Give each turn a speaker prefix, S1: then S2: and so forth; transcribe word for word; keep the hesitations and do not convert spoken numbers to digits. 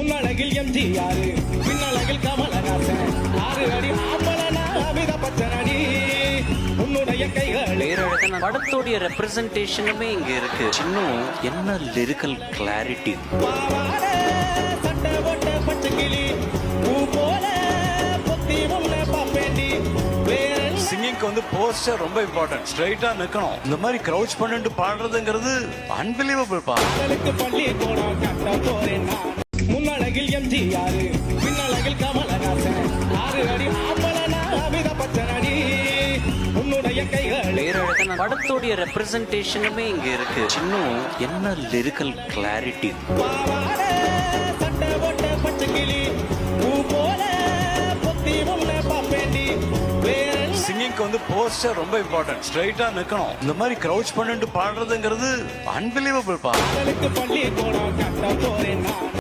S1: முன்னழகில் எம்ஜிஆர் பின்னழகில் கமலஹாசன் ஆறு அடி ஆம்பளனா அமித பச்சனடி உன்னுடைய கைகள்
S2: பேரழகன் படத்தோடைய ரெப்ரசன்டேஷனுமே இங்க இருக்கு. இன்னும் என்ன லிரிக்கல் கிளாரிட்டி.
S1: பாவாட சட்டை போட்ட பச்சை கிளி பூ போல பொத்தி உன்னை பாப்பேண்டி
S3: சிங்கிங்க்கு வந்து போஸ்டர் ரொம்ப இம்பார்ட்டன்ட். ஸ்ட்ரைட்டா நிக்கணும். இந்த மாதிரி கிரவுச் பண்ணிட்டு பாடுறதுங்கிறது அன்பிலீவபிள் பா.
S1: மக்களுக்கு பள்ளி கோடம் கட்ட போறேன் நான். முன்னழகில் எம்ஜிஆர் பின்னழகில் கமலஹாசன் ஆறு அடி ஆம்பளனா அமித பச்சனடி உன்னுடைய கைகள்
S2: பேரழகன் படத்தோடைய ரெப்ரசன்டேஷனுமே இங்க இருக்கு. இன்னும் என்ன லிரிக்கல் கிளாரிட்டி.
S1: பாவாட சட்டை போட்ட பச்சை கிளி பூ போல பொத்தி உன்னை பாப்பேண்டி
S3: சிங்கிங்க்கு வந்து போஸ்டர் ரொம்ப இம்பார்ட்டன்ட். ஸ்ட்ரைட்டா நிக்கணும். இந்த மாதிரி கிரவுச் பண்ணிட்டு பாடுறதுங்கிறது அன்பிலீவபிள் பா.
S1: மக்களுக்கு பள்ளி கோடம் கட்ட போறேன் நான்.